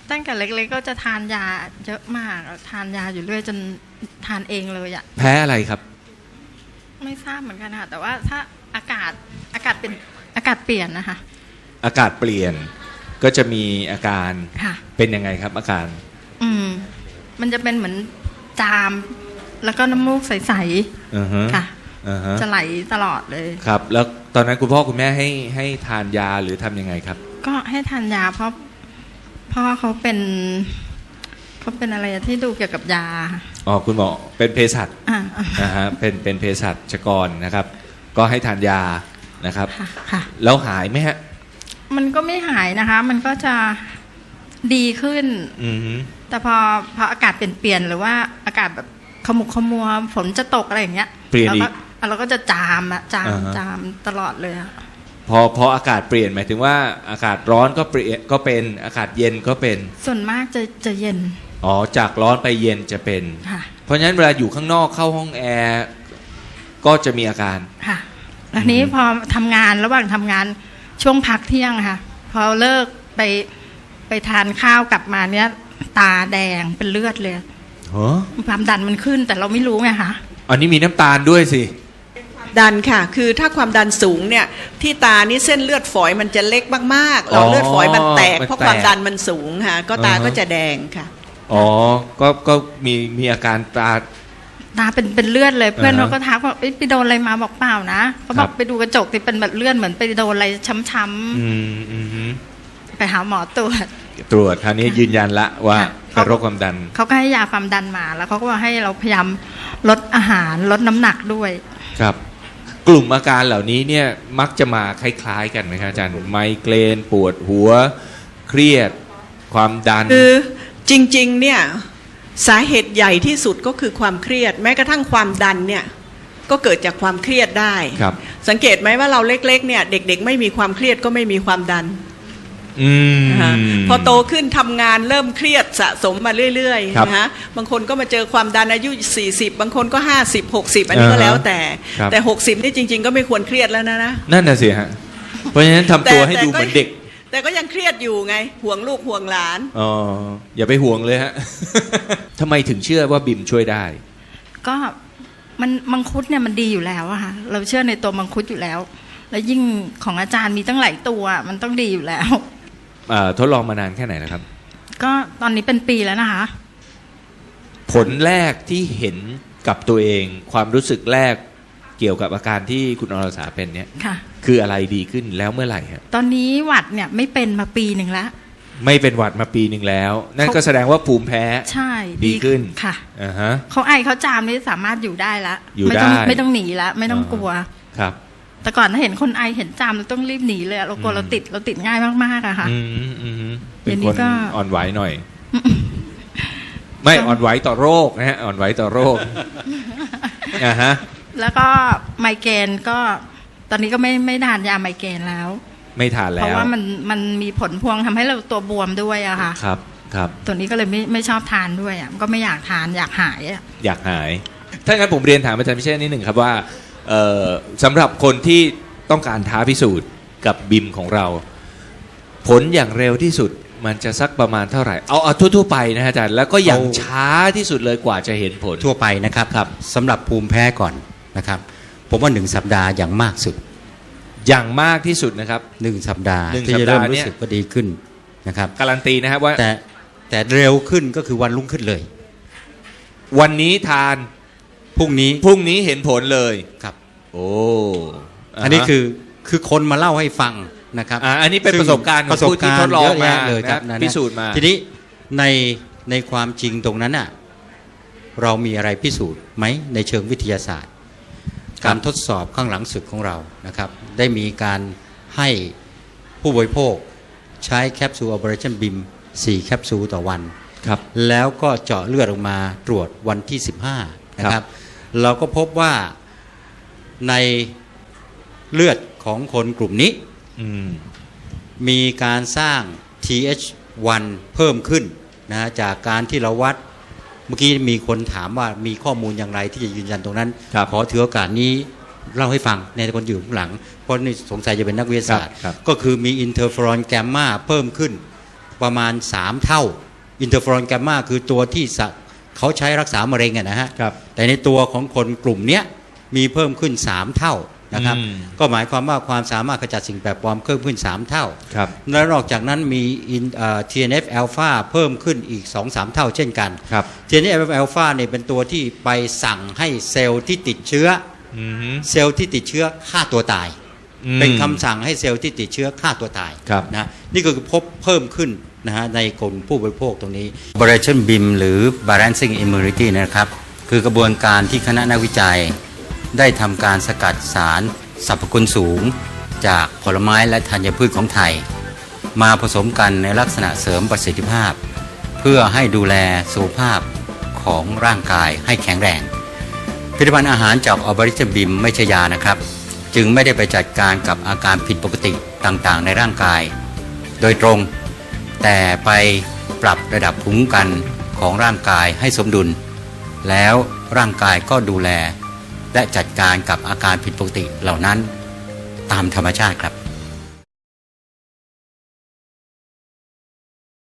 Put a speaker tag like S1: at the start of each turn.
S1: ตั้งแต่เล็กๆก็จะทานยาเยอะมากทานยาอยู่เรื่อยจนทานเองเลยอ่ะ
S2: แพ้อะไรครับ
S1: ไม่ทราบเหมือนกันค่ะแต่ว่าถ้าอากาศเป็นอากาศเปลี่ยนนะคะ
S2: อากาศเปลี่ยนก็จะมีอาการเป็นยังไงครับอาการ
S1: มันจะเป็นเหมือนจามแล้วก็น้ำมูกใสๆค่ะจะไหลตลอดเลย
S2: ครับแล้วตอนนั้นคุณพ่อคุณแม่ให้ทานยาหรือทำยังไงครับ
S1: ก็ให้ทานยาเพราะพ่อเขาเป็นอะไรที่ดูเกี่ยวกับยา
S2: อ๋อคุณหมอเป็นเภสัชนะฮะเป็นเภสัชกรนะครับก็ให้ทานยานะครับ
S1: ค่ะ
S2: แล้วหายไหมฮะ
S1: มันก็ไม่หายนะคะมันก็จะดีขึ้นแต่พออากาศเปลี่ยนหรือว่าอากาศแบบขมุกขมัวฝนจะตกอะไรอย่างเงี้ย
S2: เปลี่ยนอีก
S1: เราก็จะจามตลอดเลยอะ
S2: พออากาศเปลี่ยนหมายถึงว่าอากาศร้อนก็เปลี่ยนก็เป็นอากาศเย็นก็เป็น
S1: ส่วนมากจะเย็น
S2: อ๋อจากร้อนไปเย็นจะเป็นเพราะฉะนั้นเวลาอยู่ข้างนอกเข้าห้องแอร์ก็จะมีอาการ
S1: ค่ะแล้วนี้พอทำงานระหว่างทำงานช่วงพักเที่ยงค่ะพอเลิกไปทานข้าวกลับมาเนี้ยตาแดงเป็นเลือดเลยความดันมันขึ้นแต่เราไม่รู้ไงคะ
S2: อันนี้มีน้ำตาลด้วยสิ
S3: ดันค่ะคือถ้าความดันสูงเนี่ยที่ตานี่เส้นเลือดฝอยมันจะเล็กมากๆหลอดเลือดฝอยมันแตกเพราะความดันมันสูงค่ะก็ตาก็จะแดงค่ะ
S2: อ๋อก็มีอาการตา
S1: เป็นเลือดเลยเพื่อนเขาก็ทักว่าไปโดนอะไรมาบอกเปล่านะเขาบอกไปดูกระจกที่เป็นแบบเลือดเหมือนไปโดนอะไรช้ำๆไปหาหมอตรวจ
S2: คราวนี้ยืนยันละว่าเป็นโรคความดัน
S1: เขาก็ให้ยาความดันมาแล้วเขาก็ว่าให้เราพยายามลดอาหารลดน้ำหนักด้วย
S2: ครับกลุ่มอาการเหล่านี้เนี่ยมักจะมาคล้ายๆกันไหมครับอาจารย์ไมเกรนปวดหัวเครียดความดัน
S3: คือจริงๆเนี่ยสาเหตุใหญ่ที่สุดก็คือความเครียดแม้กระทั่งความดันเนี่ยก็เกิดจากความเครียดได้สังเกตไหมว่าเราเล็กๆเนี่ยเด็กๆไม่มีความเครียดก็ไม่มีความดันพอโตขึ้นทำงานเริ่มเครียดสะสมมาเรื่อยๆนะฮะบางคนก็มาเจอความดันอายุ40บางคนก็50 60อันนี้ก็แล้วแต่60นี่จริงๆก็ไม่ควรเครียดแล้วนะ
S2: นั่นน่ะสิฮะเพราะฉะนั้นทำตัวให้ดูเหมือนเด็ก
S3: แต่ก็ยังเครียดอยู่ไงห่วงลูกห่วงหลาน
S2: อ๋ออย่าไปห่วงเลยฮะทำไมถึงเชื่อว่าบิมช่วยได้
S1: ก็มันมังคุดเนี่ยมันดีอยู่แล้วอะค่ะเราเชื่อในตัวมังคุดอยู่แล้วแล้วยิ่งของอาจารย์มีตั้งหลายตัวมันต้องดีอยู่แล้ว
S2: ทดลองมานานแค่ไหนแล้วครับ
S1: ก็ตอนนี้เป็นปีแล้วนะคะ
S2: ผลแรกที่เห็นกับตัวเองความรู้สึกแรกเกี่ยวกับอาการที่คุณอรสาเป็นเนี่ยคืออะไรดีขึ้นแล้วเมื่อไหร่ครับ
S1: ตอนนี้หวัดเนี่ยไม่เป็นมาปีหนึ่งแล้ว
S2: ไม่เป็นหวัดมาปีหนึ่งแล้วนั่นก็แสดงว่าภูมิแพ้
S1: ใช่
S2: ดีขึ้น
S1: ค่ะเขาไอเขาจามนี่สามารถอยู่ได้แล้วไม่ต้องหนีแล้วไม่ต้องกลัว
S2: ครับ
S1: แต่ก่อนถ้าเห็นคนไอเห็นจามเราต้องรีบหนีเลยเรากลัวเราติดง่ายมากๆอะค่ะ
S2: เป็นคนอ่อนไหวหน่อยไม่อ่อนไหวต่อโรคนะฮะอ่อนไหวต่อโรค
S1: แล้วก็ไมเกรนก็ตอนนี้ก็ไม่ทานยาไมเกรนแล้ว
S2: ไม่ทานแล้ว
S1: เพราะว่ามันมีผลพวงทำให้เราตัวบวมด้วยอะค่ะ
S2: ครับ
S1: ตัวนี้ก็เลยไม่ชอบทานด้วยอะก็ไม่อยากทานอยากหาย
S2: อยากหายถ้างั้นผมเรียนถามอาจารย์พิเชษนิดหนึ่งครับว่าสำหรับคนที่ต้องการท้าพิสูจน์กับบิมของเราผลอย่างเร็วที่สุดมันจะสักประมาณเท่าไหร่เอาทั่วไปนะอาจารย์แล้วก็อย่างช้าที่สุดเลยกว่าจะเห็นผล
S4: ทั่วไปนะครับสำหรับภูมิแพ้ก่อนนะครับผมว่า1 สัปดาห์อย่างมากสุด
S2: อย่างมากที่สุดนะครับ
S4: 1 สัปดาห์ที่จะเริ่มรู้สึกว่าดีขึ้นนะครับ
S2: การันตีนะครับว่า
S4: แต่เร็วขึ้นก็คือวันรุ่งขึ้นเลย
S2: วันนี้ทาน
S4: พรุ่ง
S2: นี้เห็นผลเลย
S4: ครับ
S2: โอ้
S4: อันนี้คือคนมาเล่าให้ฟังนะครับ
S2: อันนี้เป็นประสบการณ์ของผู้ที่ทดลองมา
S4: เลยครับ
S2: พิสูจน์มา
S4: ทีนี้ในความจริงตรงนั้นน่ะเรามีอะไรพิสูจน์ไหมในเชิงวิทยาศาสตร์การทดสอบข้างหลังศึกของเรานะครับได้มีการให้ผู้บริโภคใช้แคปซูล Operation BIM 4 แคปซูลต่อวัน
S2: ครับ
S4: แล้วก็เจาะเลือดออกมาตรวจวันที่15นะครับเราก็พบว่าในเลือดของคนกลุ่มนี้มีการสร้าง TH1 เพิ่มขึ้นนะจากการที่เราวัดเมื่อกี้มีคนถามว่ามีข้อมูลอย่างไรที่จะยืนยันตรงนั้นขอถือโอกาสนี้เล่าให้ฟังในคนอยู่ข้างหลังเพราะนี่สงสัยจะเป็นนักวิทยาศาสตร์ก็คือมีอินเทอร์เฟอรอนแกมมาเพิ่มขึ้นประมาณ3เท่าอินเตอร์เฟอรอนแกมมาคือตัวที่เขาใช้รักษามะเร็งนะฮะแต่ในตัวของคนกลุ่มนี้มีเพิ่มขึ้น3เท่านะครับก็หมายความว่าความสามารถขจัดสิ่งแปลกปลอมเพิ่มขึ้น3เท่าและนอกจากนั้นมีTNF อ l p h a เพิ่มขึ้นอีก 2-3 เท่าเช่นกัน TNF อ l p h a เนี่ยเป็นตัวที่ไปสั่งให้เซลล์ที่ติดเชื้อเซลล์ที่ติดเชื้อฆ่าตัวตายเป็นคำสั่งให้เซลล์ที่ติดเชื้อฆ่าตัวตายนะนี่ก็คือพบเพิ่มขึ้นนะฮะในกลุ่มผู้บริโภคตรงนี้ Operation BIM หรือ Balancing Immunity นะครับคือกระบวนการที่คณะนักวิจัยได้ทำการสกัดสารสรรพคุณสูงจากผลไม้และธัญพืชของไทยมาผสมกันในลักษณะเสริมประสิทธิภาพเพื่อให้ดูแลสุขภาพของร่างกายให้แข็งแรงผลิตภัณฑ์อาหารจาก Operation BIM ไม่ใช่ยานะครับจึงไม่ได้ไปจัดการกับอาการผิดปกติต่างๆในร่างกายโดยตรงแต่ไปปรับระดับภูมิคุ้มกันของร่างกายให้สมดุลแล้วร่างกายก็ดูแลและจัดการกับอาการผิดปกติเหล่านั้นตามธรรมชาติครับ